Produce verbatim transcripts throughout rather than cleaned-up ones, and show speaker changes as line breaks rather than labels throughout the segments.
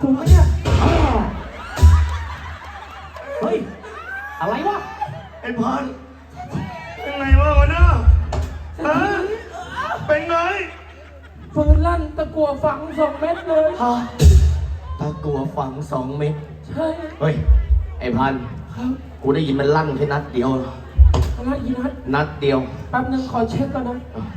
ถูกไหมเนี่ย
เฮ้ยอะไรวะ
ไอ้พันเป็นไงวะวะเนี่ยฮะเป็นไง
ฟืนลั่นตะกั่วฝังสองเม็ดเลย
ฮะตะกัวฝังสองเม็ด
ใช่
เฮ้ยไอ้พัน
ครับ
กูได้ยินมันลั่นแค่นัดเดียว
อะไรอีนัท
นัดเดียว
แป๊บนึงขอเช็คก่อนนะ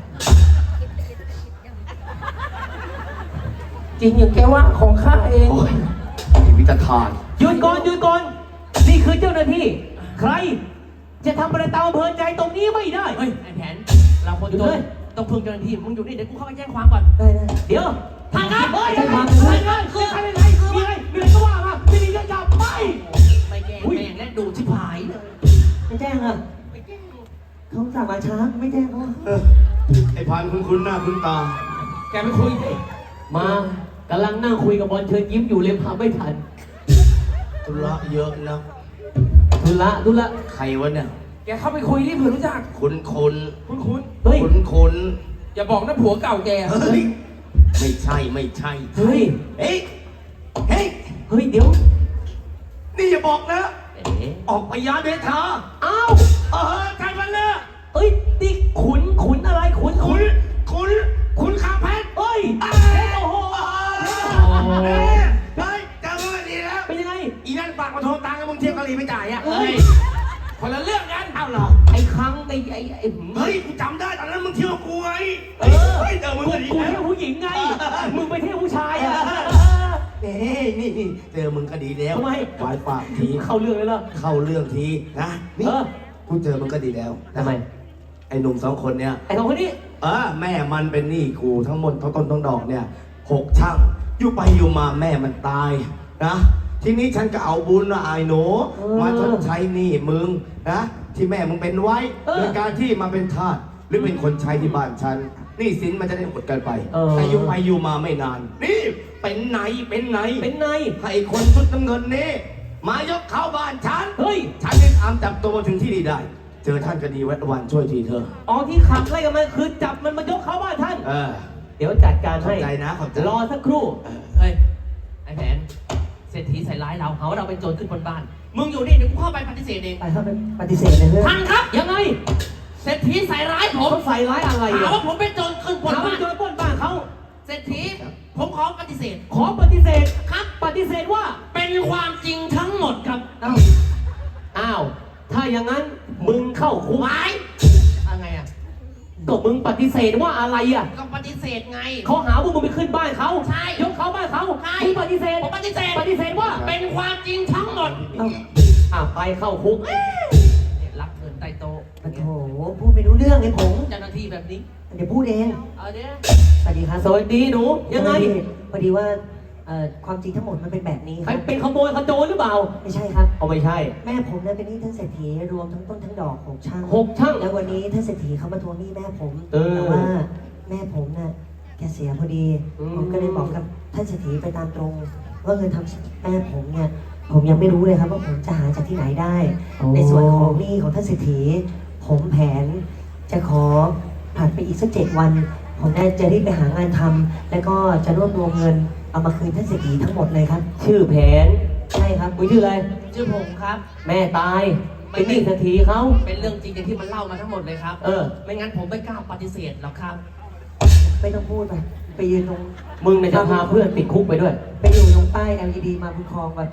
จริงอย่างแกว่าของข้าเอง
โอ้ยไอ้วิจารณ์
หยุดก่อนหยุดก่อนนี่คือเจ้าหน้าที่ ใคร จะทำอะไรตามอำเภอใจตรงนี้ไม่ได้
เฮ้ยไอ้แผนเราคน
อยู่
จ
เล
น
ย
ต้องพึ่งเจ้าหน้าที่มึงอยู่นี่เดี๋ยวกูเข้าไปแจ้งความก่อน
ได้ได้
เดี๋ยว
ทางการเฮ้ย
ใช่ความใช่ความคือใครเป็นไรมีอะไรมีอะไรก็ว่ามาไม่ดีก็จับไป
ไม่แจ้งแม่งและดูชิบหายเลย
ไม่แจ้งอ่ะเขาสั่งมาช้าไม่แจ้งเขา
เออไอ้พันคุณคุณหน้าคุณตา
แกไปคุยสิมากำลังนั่งคุยกับบอลเชิญยิ้มอยู่เลยพาไม่ทัน
ธุระเยอะนะ
ทุละทุละ
ใครวะเนี่ย
แกเข้าไปคุยที่เผื่อรู้จัก
คุณคุณ
คุณคุณ
เฮ้ย
คุณคุณ
อย่าบอกนะผัวเก่าแก
เฮ้ยไม่ใช่ไม่ใช่
เฮ้ย
เฮ้ยเฮ้ย
เฮ้ยเดี๋ยว
นี่อย่าบอกนะ
เอ๊ะ
ออกไปยาเดชา
อ้าว
เออใครมันเนี่ย
เอ้ยนี่ขุนขุนอะไรขุน
คุณคุณคุณข้าเพชร
เฮ้ย
เอ้
โอ้โห
เอ้ยเฮ้ยเจอกันดีแล้ว
เป็นยังไง
อีนั่นฝากมาโทรตังค์ให้มึงเที่ยวเกาหลีไม่จ่ายอ่ะ
เฮ้ย
คนละเรื่องกันเอ้าเหรอ
ไอ้ครั้งไอ้ไอ้ไอ้หืม
เฮ้ยกูจำได้ตอนนั้นมึงเที่ยวกับกูไง
เออ
เฮ้ยเจอมึง
กู
ก็ดี
กู
แล้ว
เที่ยวผู้หญิงไง มึงไปเที่ยวผู้ชายอ่ะ
เฮ้ยนี่นี่เจอมึงก็ดีแล้ว
ทำไม
ฝายฝากที
เข้าเรื่องเลยเหรอ
เข้าเรื่องทีนะนี่
เออ
กูเจอมึงก็ดีแล้วนะ
ทำไม
ไอ้หนุ่มสองคนเนี่ย
ไอ้สองคนนี้
เออแม่มันเป็นหนี้กูทั้งหมดทั้งต้นทั้งดอกเนี่ยหกช่างอยู่ไปอยู่มาแม่มันตายนะทีนี้ฉันก็เอาบุญว่าไอ้หนูมาชดใช้หนี้มึงนะที่แม่มึงเป็นไว้โดยการที่มาเป็นทาสหรือเป็นคนใช้ที่บ้านฉันหนี้สินมันจะได้หมดกันไปแต่อยู่ไปอยู่มาไม่นาน นี่เป็นไหนเป็นไหน
เป็นไง
ให้คนชุดน้ำเงินนี้มายกเข้าบ้านฉัน
เฮ้ย
ฉันได้ตามจับตัวมาถึงที่นี่ได้ เจอท่านก็ดีแวดวันช่วยทีเธอ
อ๋อที่ขับไล่กันมาคือจับมันมายกเข้าบ้านท่าน
เออ
เดี๋ยวจัดการ
ขอบ
ให้
ใจนะขอบใจ
รอสักครู่
เฮ้ยไอ้แผนเศรษฐีใส่ร้ายเราหาว่าเราเป็นโจรขึ้นบนบ้านมึงอยู่นี่เดี๋ยวกูเข้าไปปฏิเสธเอง
ไปเข้าไปปฏิเสธเลยเพื่อน
ท่านครับ
ยังไง
เศรษฐีใส่ร้ายผม
เขาใส่ร้ายอะไร
หา
อ่ะ
ว่าผมเป็นโจรขึ้นบน
ถาม
บ้า
ว่าน โดนปล้นบ้านเขา
เศรษฐีผมขอปฏิเสธ
ขอปฏิเสธ
ครับ
ปฏิเสธว่า
เป็นความจริงทั้งหมดครับ
เอ้า
อ้าว ถ้าอย่างนั้นมึงเข้าคุก
ไว้อะไรอ่ะ
ก็มึงปฏิเสธว่าอะไรอ่ะ
ก็ปฏิเสธไง
เขาหาว่ามึงไปขึ้นบ้านเขา
ใช่
ยกเขาบ้านเขา
ใช่
มึงปฏิเสธ
ผมปฏิเสธ
ปฏิเสธว่า
เป็นความจริงทั้งหมด
เอ้า
อ่ะไปเข้าคุก
เนี่ยรับเงินใต้โต๊ะ
โอ้โหพูดไม่รู้เรื่องไอ้ผม
เจ้าหน้าที่แบบนี้
เดี๋ยวพูดเอง
เอาเด้อ
สวัสดีครับ
สวัสดีหนู ยังไง
พอดีว่าเอ่อความจริงทั้งหมดมันเป็นแบบนี้ค
ใคร
รับ
เป็นขโมยขโจรหรือเปล่า
ไม่ใช่ครับ
เอาไม่ใช่
แม่ผมเนี่ยเป็นหนี้ท่านเศรษฐีรวมทั้งต้นทั้งดอกของช่าง
หกช่าง
แล้ววันนี้ท่านเศรษฐีเขามาทวงหนี้แม่ผม
เออ
แต่ว่าแม่ผมน่ะแกเสียพอดี
อืม
ผมก็เลยบอกกับท่านเศรษฐีไปตามตรง ว่าเงินทำแม่ผมเนี่ยผมยังไม่รู้เลยครับว่าผมจะหาจากที่ไหนได้ ในส่วนของหนี้ของท่านเศรษฐีผมแผนจะขอผ่านไปอีกสักเจ็ดวัน ผมน่าจะรีบไปหางานทำแล้วก็จะรวบรวมเงินเอามาคืนท่านเศรษฐีทั้งหมดเลยครับ
ชื่อแผน
ใช่ครับ
มึงชื่ออะไร
ชื่อผมครับ
แม่ตาย เป็นหนี้เศรษฐีเขา
เป็นเรื่องจริงอย่างที่มันเล่ามาทั้งหมดเลยครับ
เออ
ไม่งั้นผมไม่กล้าปฏิเสธหรอกครับ
ไม่ต้องพูดไปไปยืนตรง
มึงเนี่ยจะพาเพื่อนติดคุกไปด้วย
ไปอยู่ตรงป้าย แอล อี ดี มาบุญครองแบบ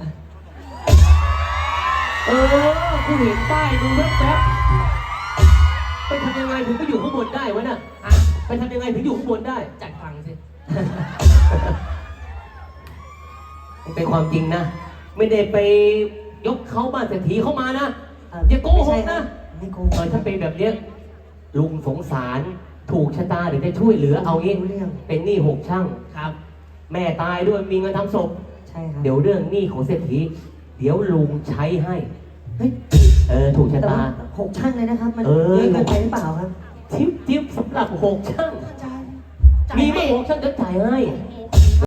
เออกูเห็นป้ายมึงแว๊บๆไปทำยังไงถึงไปอยู่ข้างบนได้วะน่ะ
อ่ะ
ไปทำยังไงถึงอยู่ข้างบนได้
จัดฟังสิ
เป็นความจริงนะ ไม่ได้ไปยกเขาบ้านเศรษฐีเข้ามานะ
เอ่อ
อย่าโกห
ไม่ใช่
ก
ครั
นะ
บไม่โก
เอ
ห
อก ถ้าเป็นแบบเนี้ยลุงสงสารถูกชะตาเดี๋ยวจะช่วยเหลือเอางี้
รู้เรื่อง
เป็นหนี้หกช่าง
ครับ
แม่ตายด้วยมีเงินทำศพ
ใช่ครับ
เดี๋ยวเรื่องหนี้ของเศรษฐีเดี๋ยวลุงใช้ให้
เฮ้ย
เออถูกชะ
แต่
ตา
ว่าหกช่างเลยนะครับ มัน
เออ
เยอะเกินไปหรือเปล่าครับ
ทิปทิปสำหรับหกช่าง
จ่าย
มี
ให้
มาหกช่างจะจ่ายให้